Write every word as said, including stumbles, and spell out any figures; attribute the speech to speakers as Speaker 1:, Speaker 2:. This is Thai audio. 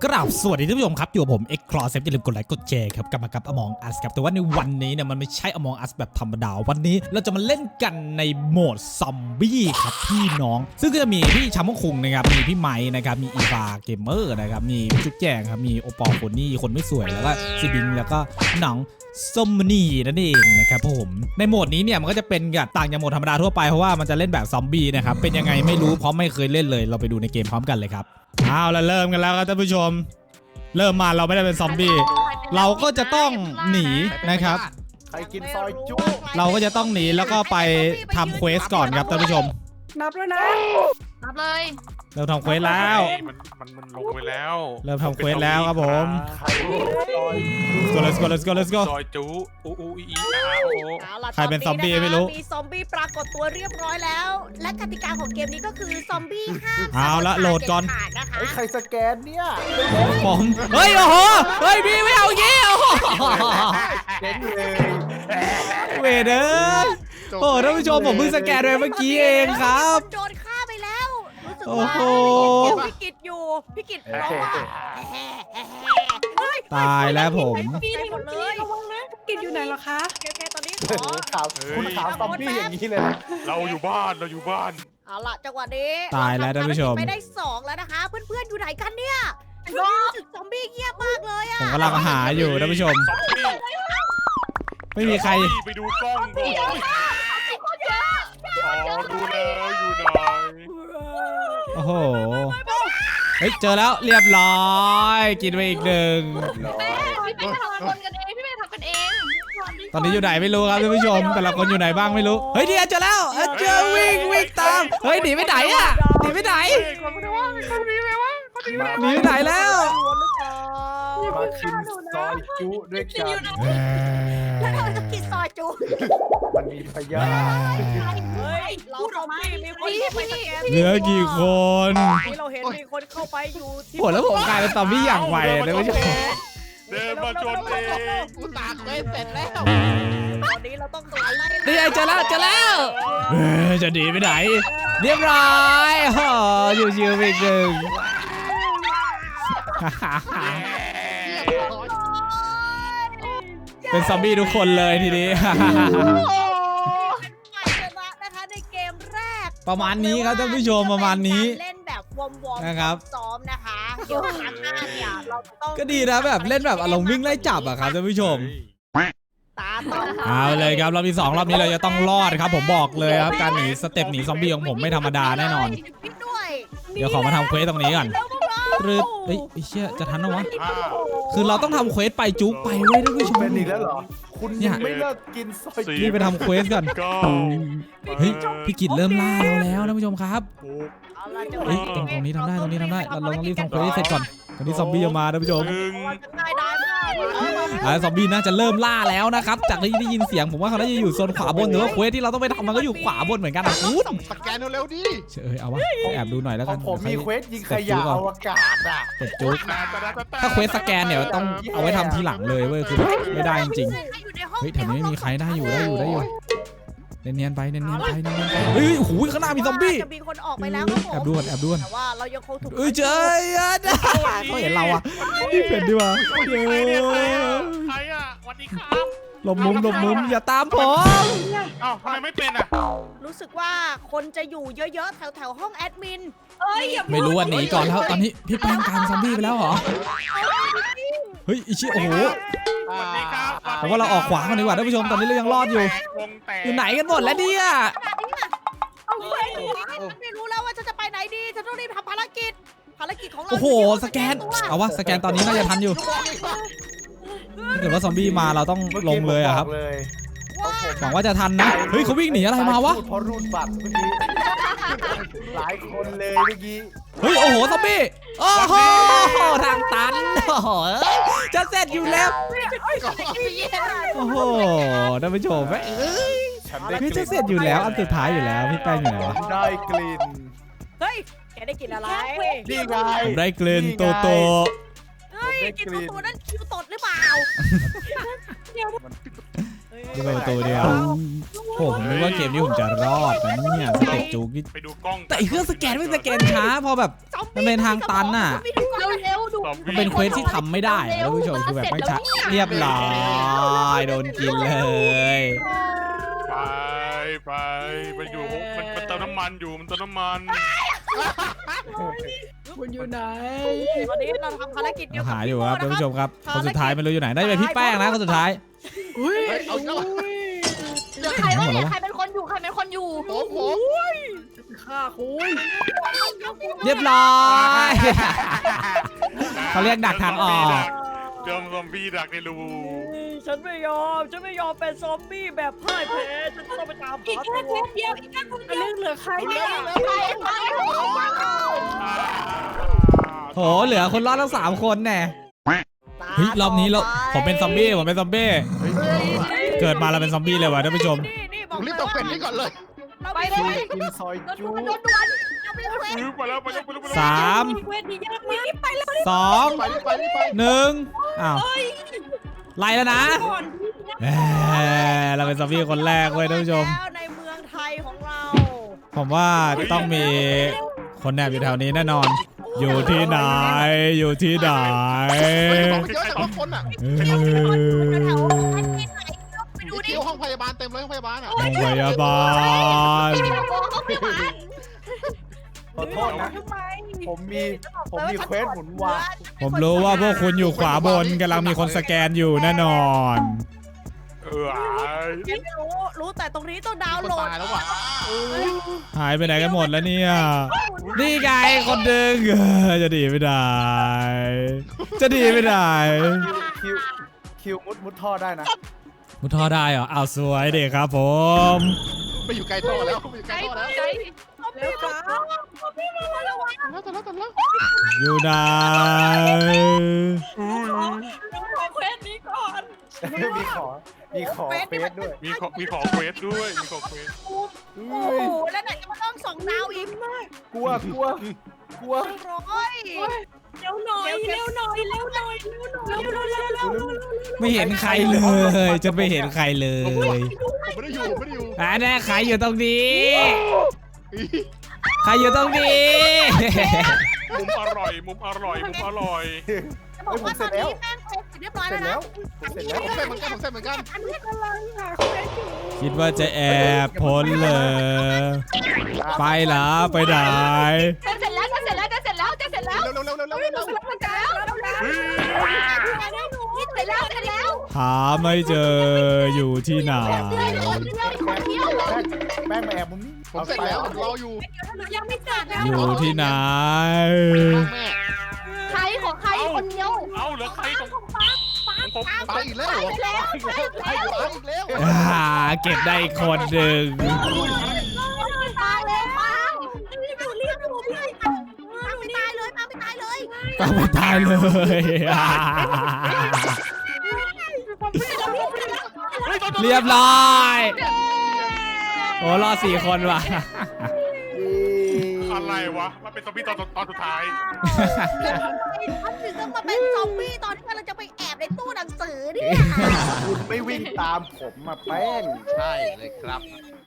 Speaker 1: กราบสวัสดีท่านผู้ชมครับอยู่กับผม X Cross อย่าลืมกดไลค์กดแชร์ครับกลับมากับ Among Us ครับแต่ว่าในวันนี้เนี่ยมันไม่ใช่ Among Us แบบธรรมดาวันนี้เราจะมาเล่นกันในโหมดซอมบี้ครับพี่น้องซึ่งก็จะมีพี่ชามงคุงนะครับมีพี่ไม้นะครับมีอีวาเกมเมอร์นะครับมีพี่จุ๊บแจงครับมีโอปอลคนนี่คนไม่สวยแล้วก็ซีบิงแล้วก็หนังส้มนี่นั่นเองนะครับผมในโหมดนี้เนี่ยมันก็จะเป็นแบบต่างจากโหมดธรรมดาทั่วไปเพราะว่ามันจะเล่นแบบซอมบี้นะครับเป็นยังไงไม่รู้เพราะไม่เคยเล่นเลยเราไปดูในเกมพร้อมกันเลยครับเอาละเริ่มกันแล้วครับท่านผู้ชมเริ่มมาเราไม่ได้เป็นซอมบี้เราก็จะต้องหนีนะครับ
Speaker 2: ใครกินซอยจุ๊
Speaker 1: เราก็จะต้องหนีแล้วก็ไปทำเควสก่อนครับท่านผู้ชม
Speaker 3: นับแล้วนะ
Speaker 4: นับเลย
Speaker 1: เริ่มทำเควสแล้ว
Speaker 5: มันมันมันลงไปแล้ว
Speaker 1: เริ่มทำเควสแล้วครับผม
Speaker 2: ใครซอย
Speaker 1: let's go let's go let's go let's go
Speaker 5: ซอยจูอูอูอีอีอาโอ
Speaker 3: เอาล่ะ
Speaker 1: ใครเป็นซอมบี้ไม่รู้
Speaker 3: มีซอมบี้ปรากฏตัวเรียบร้อยแล้ว และกติกาของเกมนี้ก็คือซอมบี้ห้าม
Speaker 1: เอาละโหลดก่อน
Speaker 3: เขาดนะคะ
Speaker 2: เฮ้ยใครสแกนเนี่ย
Speaker 1: ผมเฮ้ยโอ้โหเฮ้ยพี่ไม่เอาอย่างงี้โอ้โห
Speaker 2: เจ๋งเลย
Speaker 1: เวเดอร์โอ้ท่านผู้ชมผมเพิ่งสแกนไปเมื่อกี้เองครับ
Speaker 3: โดนฆ่าไปแล้วรู้สึก
Speaker 1: โอ้
Speaker 3: ว่า
Speaker 1: โห
Speaker 3: พี่กิตอยู่พี่กิตร้องว่าเฮ้ย
Speaker 1: ตายแล้วผม
Speaker 3: ปีหมดเลย
Speaker 4: ระวังนะกินอยู่ไหนเหรอคะ
Speaker 3: โอเคๆตอนนี้ข
Speaker 2: โอ้
Speaker 3: อ
Speaker 2: โหข่าวคุณข่าวซอมบี้อย่างนี้เลยนะ
Speaker 5: เราอยู่บ้านเราอยู่บ้าน
Speaker 3: เอาล่ะจังหวะนี้
Speaker 1: ตายแล้วท่านผู้ชม
Speaker 3: เรทำภรกิจไปได้สองแล้วนะคะ เพื่อนๆอยู่ไหนกันเนี่ยรู้สึกซอมบี้เงียบมากเลยอะ
Speaker 1: ผมกำลังหาอยู่ท่านผู้ชม
Speaker 5: ซอมบี้
Speaker 1: ไม่มีใคร
Speaker 5: ไปดูกล้องก่อนอ๋อดูแล้วอยู่ไหน
Speaker 1: โอ้โหเฮ้ยเจอแล้วเรียบร้อยกินไปอีกหนึ่ง
Speaker 4: พี่เป็นทำคนกันเองพี่เป็นทำกันเอง
Speaker 1: ตอนนี้อยู่ไหนไม่รู้ครับท่านผู้ชมแต่ละคนอยู่ไหนบ้างไม่รู้เฮ้ยเดี๋ยวเจอแล้วเอ้ยเจอวิ่งวิ่งตามเฮ้ยหนีไปไหนอะหนีไปไหน
Speaker 5: เฮ้ยคนไม่ได้ว่าคนนี้เลยว่าคนนี้
Speaker 1: หนีไปไหนแล้ว
Speaker 2: มากินซอยจุด้วยกัน
Speaker 3: แล้วเราจะกินซอยจู
Speaker 2: มันมีพยาธิ
Speaker 3: เฮ้ยเราซอมบี้มีคนเข้าไปสแกน
Speaker 1: เหลือกี่คน
Speaker 3: ที่เราเห็นมีคนเข้าไปอยู่ที่
Speaker 1: โหแล้วผมกลายเป็นซอมบี้อย่างไวเลยท่านผู้ชม
Speaker 5: เดินมาชนเอง
Speaker 4: กูตากเลยเสร็จแล้ว
Speaker 3: ตอนนี้เราต้องหาไล่
Speaker 1: นี่ไงเจอแล้วเจอแล้วเฮ้ยจะหนีไปไหน เรียบร้อยโอ้อยู่ชิวๆไปอีกหนึ่ง เป็นซอมบี้ทุกคนเลยทีนี้
Speaker 3: ฝ่ายชนะนะคะในเกมแรก
Speaker 1: ประมาณนี้ครับท่านผู้ชมประมาณนี้
Speaker 3: เล่นแบบวอร์มๆ
Speaker 1: นะครับ
Speaker 3: ซ้อมนะคะเดี๋ยวครั้งหน้าเนี่ยเราจะต้อง
Speaker 1: ก็ดีนะแบบเล่นแบบอารมณ์วิ่งไล่จับอะครับท่านผู้ชม
Speaker 3: ตาต้อง
Speaker 1: เอาเลยครับรอบที่สองรอบนี้เราจะต้องรอดครับผมบอกเลยครับการหนีสเต็ปหนีซอมบี้ของผมไม่ธรรมดาแน่นอน
Speaker 3: ด้วย
Speaker 1: เดี๋ยวขอมาทำเควสตรงนี้ก่อน
Speaker 3: แล้วพวกเรา
Speaker 1: รึบเฮ้ยไอ้เชี่ยจะทันเหรอวะ
Speaker 5: อ่า
Speaker 1: คือเราต้องทำเควสไปจุ๊บไปเว้ยท่านผู้ชม
Speaker 2: เป็นอีกแล้วเหรอคุณ
Speaker 1: เนี่ย
Speaker 2: ยังไม่เลิกกินซอยจุ
Speaker 1: นี่ไปทำเควสก่อน
Speaker 5: เก้า
Speaker 1: เฮ้ยพี่กิจเริ่มล่าเราแล้วท่านผู้ชมครับ
Speaker 5: หก
Speaker 3: เอาล่ะจะ
Speaker 1: เฮ้ยตรงตรงนี้ทำได้ตรงนี้ทำได้เราเราต้องรีบทำเควสให้เสร็จก่อนก่อนที่ซอมบี้จะมาท่านผู้ชม
Speaker 5: หนึ่ง
Speaker 3: จะได้ได้มาก
Speaker 1: อ่าซอมบี้น่าจะเริ่มล่าแล้วนะครับจากที่ได้ยินเสียงผมว่าเขาน่าจะอยู่โซนขวาบนหรือว่าเควสที่เราต้องไปทำมันก็อยู่ขวาบนเหมือนกันนะอู้
Speaker 6: สแกนเร็วๆดิ
Speaker 1: เชยเอาวะแอบดูหน่อยแล้ว
Speaker 2: ข
Speaker 1: กั
Speaker 2: อน งผมมีเควสยิงขยะอวกาศอ่ะ
Speaker 1: เสร็จจุ๊บ
Speaker 5: นาตาตาตา
Speaker 1: ถ้าเควสสแกนเนี่ยต้องเอาไว้ทำทีหลังเลยเว้ยคือไม่ได้จริงๆเฮ้ยแถวนี้ไม่มีใครได้อยู่ได้อยู่ได้อยู่เนียนๆไปเนียนๆไปเนียนๆไปเฮ้ยโอ้โหข้างหน้ามีซอมบี้
Speaker 3: จะมีคนออกไปแล้วครับผม
Speaker 1: แอบดูก่อนแอบดูก่อน
Speaker 3: แต่ว่าเรายังคงถูก
Speaker 1: เอ้ยเจอเขาเห็นเราอ่ะพี่เป็นดีวะ
Speaker 5: ใครเนี่ยใครอ่ะใครอ่ะสวัสดีครับ
Speaker 1: หลบมุมหลบมุมอย่าตามผม
Speaker 5: อ้าวทำไมไม่เป็นอ่ะ
Speaker 3: รู้สึกว่าคนจะอยู่เยอะๆแถวๆห้องแอดมิน
Speaker 4: เอ้ยอย่า
Speaker 1: ไม่รู้ว่าหนีก่อนแล้วตอนนี้พี่แปลงกลายเป็นซอมบี้ไปแล้วเหรอเฮ้ยอีชิโอ้โห
Speaker 5: สวัสดีครับ
Speaker 1: ผมว่าเราออกขวากันดีกว่าท่านผู้ชมตอนนี้เรายังรอดอยู่
Speaker 5: วงแตก
Speaker 1: อยู่ไหนกันหมดแล้วเนี่ย
Speaker 3: เอาไปไม่รู้แล้วว่าฉันจะไปไหนดีฉันต้องรีบทำภารกิจภารกิจของเรา
Speaker 1: โอ้โหสแกนเอาวะสแกนตอนนี้น่าจะทันอยู่ถ้าเกิดว่าซอมบี้มาเราต้องลงเลยอะครับ
Speaker 2: เลย
Speaker 3: ว่า
Speaker 1: หวังว่าจะทันนะเฮ้ยเขาวิ่งหนีอะไรมาวะ
Speaker 2: เพราะรูดบัตรเมื่อกี้หลายคนเลยเมื่อกี้
Speaker 1: เฮ้ยโอ้โหซอมบี้โอ้โหทางตันโอ้โหจะเสร็จอยู่แล้วโอ้โหท่านผู้ชมเอ้ย
Speaker 2: ฉันได้
Speaker 1: เฮ้ยจะเสร็จอยู่แล้วอันสุดท้ายอยู่แล้วพี่แป้งอยู่ไหนวะ
Speaker 2: ได้กลิ่น
Speaker 3: เฮ้ยแกได้กินอะไร
Speaker 2: นี่ไง
Speaker 1: ผมได้กลิ่นโตโต
Speaker 3: เฮ้ยกินตัวนั้นคิวตดหรือเปล่า
Speaker 1: นี่เปิดประตูเดียวโอ้ผมนึกว่าเกมนี้ผมจะรอดนะเนี่ยสเต็ปจุกนี่
Speaker 5: ไปดูกล้อง
Speaker 1: แต่ไอ้เครื่องสแกนไม่สแกนช้าพอแบบ มันเป็นทางตันน่ะ
Speaker 4: เร็วๆดู
Speaker 1: มันเป็นเควสที่ทำไม่ได้ท่านผู้ชมคือแบบไม่ช้าเรียบร้อยโดนกินเลย
Speaker 5: ไปไปไปอยู่มันมันเติมน้ำมันอยู่มันเติมน้ำมัน
Speaker 4: คุณอยู่ไหน
Speaker 3: วันนี้เราทำภารกิจเกี่ยวกับ
Speaker 1: หาอยู่ครับท่าน
Speaker 3: พี่
Speaker 1: ผู้ช
Speaker 3: โม่
Speaker 1: มครับคนสุดท้ายไม่รู้อยู่ไหนได้เป็นพี่แป้งนะคนสุดท้าย
Speaker 4: อุ้ย
Speaker 2: เอาเจ้า
Speaker 4: เหลือใครวะเนี่ยใครเป็นคนอยู่ใครเป็นคนอยู่
Speaker 2: ผมผม
Speaker 4: ฆ่าคุณ
Speaker 1: เรียบร้อยเขาเรียกดักทางออก
Speaker 5: เจอซอมบี้ดักในรู
Speaker 3: ฉันไม่ยอม ฉันไม่ยอมเป็นซอมบี้แบบพ่ายแพ้ ฉันต้องไปตาม
Speaker 4: อีก
Speaker 3: หา
Speaker 4: แค่
Speaker 3: ตัว
Speaker 4: เดียวอีกแค่คนเดียวเหลือใครเนี่ย
Speaker 2: เร็ว
Speaker 4: ใครใคร
Speaker 1: โหเหลือคนรอดทั้งสามคนแน่เฮ้ยรอบนี้เราผมเป็นซอมบี้ผมเป็นซอมบี้เกิดมาเราเป็นซอมบี้เลยว่ะท่านผู้ชม
Speaker 3: นี่นี่บอก
Speaker 2: ผมรีบตกเป็ดนี่ก่อนเลย
Speaker 4: ไปเลย
Speaker 2: กินซอย
Speaker 3: โดน
Speaker 2: จู
Speaker 3: ด่วนโดนด่วนเราไม่เควส
Speaker 5: ไปแล้วไปแล้วไปแล้วไปแล้ว
Speaker 1: สาม
Speaker 4: เวทียากมากไปแล้ว
Speaker 1: สอง
Speaker 2: ไปรีบไปรีบไป
Speaker 1: หนึ่งอ้าวไล่แล้วนะ
Speaker 4: ก่อน
Speaker 1: แหมเราเป็นซอมบี้คนแรกเว้ยท่านผู้ชม
Speaker 3: แล้วในเมืองไทยของเรา
Speaker 1: ผมว่าต้องมีคนแอบอยู่แถวนี้แน่นอน อยู่ที่ไหน อยู่ที่ไหน
Speaker 2: ของเยอะแต่ละคนอ่ะ
Speaker 1: เอ
Speaker 3: แถว
Speaker 1: อ
Speaker 3: ที่ไหนไปดู
Speaker 2: ดู
Speaker 3: ดิ
Speaker 2: ดิห้องพยาบาลเต็มเลยห้องพยาบาลอ่ะ
Speaker 1: โรงพยาบาล
Speaker 2: ขอโทษนะ ผมมีผมมีเควสหมุนวา
Speaker 1: ผมรู้ว่าพวกคุณอยู่ขวาบนกำลังมีคนสแกนอยู่แน่นอน
Speaker 5: เออ
Speaker 3: ฉันไม่รู้ รู้แต่ตรงนี้ต้องดาวน์
Speaker 2: คน
Speaker 3: โหลด
Speaker 2: ตายแล้วว่ะ
Speaker 1: หายไปไหนกันหมดแล้วเนี่ย นี่ไงคนหนึ่งเออจะดีไม่ได้ จะดีไม่ได้
Speaker 6: คิวคิวมุดมุดท่อได้นะ
Speaker 1: มุทอได้เหรออ้าวสวยเด็กครับผม
Speaker 2: ไม่อยู่ไกลท่อแล้วไม่อยู่ไกลท่อแล้ว
Speaker 4: ใจ
Speaker 3: เร็วจ้าพี่มาระวัง
Speaker 2: แล้วแต่แล้วแต่แล้ว
Speaker 1: อยู่ไหน
Speaker 4: ขอเควสนี้ก่อน
Speaker 6: มีขอ มีขอเฟสด้วย
Speaker 5: มีขอมีขอเควสด้วยมีขอเควส
Speaker 3: โอ้โหแล้วไหนจะมาต้องส่งดาวอีก
Speaker 6: กลัวกลัวกลัว
Speaker 3: ร้อย
Speaker 4: เร็วหน่อยเร็วหน่อยเร็วหน่อยเร็วหน่อยเร็วเร็วเร็วเร็ว
Speaker 1: ไม่เห็นใครเลยจะไม่เห็นใครเลย
Speaker 2: ผมไม่ได้อยู่ผมไม่ได้อยู่
Speaker 1: อ่าแน่ใครอยู่ตรงนี้ ใครอยู่ตรงนี้
Speaker 5: มุมอร่อยมุมอร่อยมุมอร่อย
Speaker 3: จะบอกว่าตอนนี้แป้งเสร็จเรียบร้อย
Speaker 6: เสร็
Speaker 3: แล้
Speaker 6: จ
Speaker 3: ว
Speaker 6: แล้
Speaker 3: นะ
Speaker 6: วเสร็จแล้ว
Speaker 2: ผมเสร็จเหมือนกันผมเสร็จเหมือนกัน
Speaker 3: อันนี้กำลังหา
Speaker 1: คิดว่าจะแอบพ้นเลย ไปเหรอไปไหน
Speaker 4: จะเสร็จแล้วจะเสร็จแล้วจะเสร็จแล้วจะเสร็จแล้ว
Speaker 2: เร็วเร็วเร็วเร็วเร็วเร็ว
Speaker 4: เสร็จแล้วเสร็จแล้วเสร็จแล้วเสร็จแล้ว
Speaker 1: หาไม่เจออยู่ที่ไหน
Speaker 4: เดียวเดียวคนเดียว
Speaker 6: แป้งแป้งมาแอบมุมนี้
Speaker 2: ผมเสร็จแล้วผมรออยู่
Speaker 4: ยังไม่เสร็จนะ
Speaker 1: อยู่ที่ไหน
Speaker 2: แม่
Speaker 4: ใครของใครคนเดียว
Speaker 5: เอาเหลือใครตรงของผม
Speaker 2: ตายอีกแล้วเหรอ
Speaker 4: แล้ว
Speaker 2: ตายอีกแล้ว
Speaker 1: อ่าเก็บได้อีกคนหนึ่ง
Speaker 4: ตายเลยปัง
Speaker 3: ดูเรียบดูพี่ปังไม่ตายเลยปังไม่ตายเลย
Speaker 1: ก็ไม่ตายเลยอ่าเรียบร้อยโอ้รอดสี่คนว่ะ
Speaker 5: อะไรวะมันเป็นซอมบี้ตอนตอนสุดท้าย
Speaker 3: ฉันถึงต้องมาเป็นซอมบี้ตอนที่กำลังจะไปแอบในตู้หนังสือเนี่ย
Speaker 6: คุณไม่วิ่งตามผมมาแป้ง
Speaker 2: ใช่เลยครับ